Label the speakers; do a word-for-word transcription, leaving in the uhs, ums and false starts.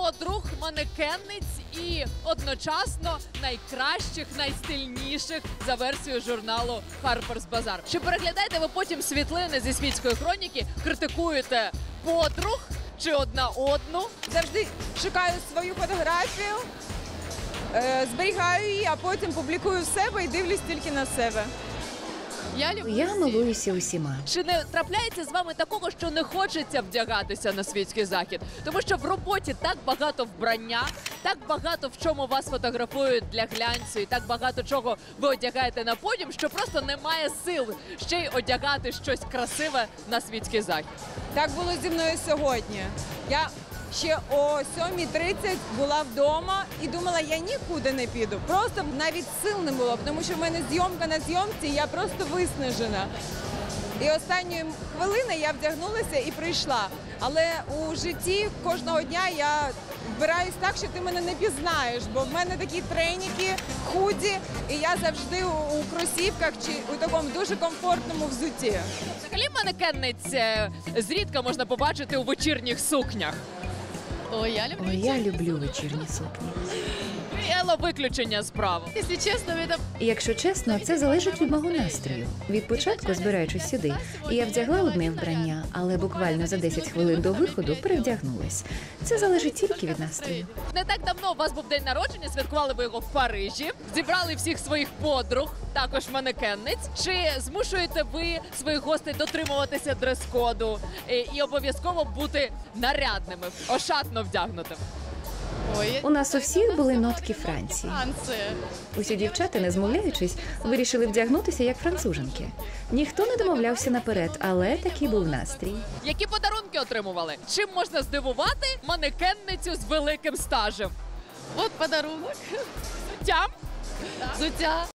Speaker 1: подруг, манекенниць і одночасно найкращих, найстильніших за версією журналу Harper's Bazaar. Чи переглядаєте ви потім світлини зі світської хроніки, критикуєте подруг чи одна одну?
Speaker 2: Завжди шукаю свою фотографію, е, зберігаю її, а потім публікую в себе і дивлюсь тільки на себе.
Speaker 1: Я люблю
Speaker 3: Я
Speaker 1: всіх.
Speaker 3: милуюся усіма.
Speaker 1: Чи не трапляється з вами такого, що не хочеться вдягатися на світський захід? Тому що в роботі так багато вбрання, так багато в чому вас фотографують для глянцю, і так багато чого ви одягаєте на подіум, що просто немає сил ще й одягати щось красиве на світський захід.
Speaker 2: Так було зі мною сьогодні. Я ще о сьомій тридцять була вдома і думала, я нікуди не піду. Просто навіть сил не було, тому що в мене зйомка на зйомці, і я просто виснажена. І останньої хвилини я вдягнулася і прийшла. Але у житті кожного дня я вбираюсь так, що ти мене не пізнаєш, бо в мене такі треніки, худі, і я завжди у, у кросівках чи у такому дуже комфортному взутті.
Speaker 1: Взагалі манекенниць е, зрідка можна побачити у вечірніх сукнях.
Speaker 4: Ой, я люблю.
Speaker 3: Ой, я люблю вечірні сукні.
Speaker 1: Ело виключення з правил.
Speaker 4: Если честно, это...
Speaker 3: І якщо чесно, це залежить від мого настрою. Від початку, збираючись сюди, я вдягла одне вбрання, але буквально за десять хвилин до виходу перевдягнулась. Це залежить тільки від настрою.
Speaker 1: Не так давно у вас був день народження, святкували ви його в Парижі, зібрали всіх своїх подруг, також манекенниць. Чи змушуєте ви своїх гостей дотримуватися дрес-коду і, і обов'язково бути нарядними, ошатно вдягнутими?
Speaker 4: Ой,
Speaker 3: У нас у всіх були нотки Франції.
Speaker 4: Франция.
Speaker 3: Усі дівчата, не змовляючись, вирішили вдягнутися як француженки. Ніхто не домовлявся наперед, але такий був настрій.
Speaker 1: Які подарунки отримували? Чим можна здивувати манекенницю з великим стажем?
Speaker 4: Вот подарунок.
Speaker 1: Тям?
Speaker 4: Зутя.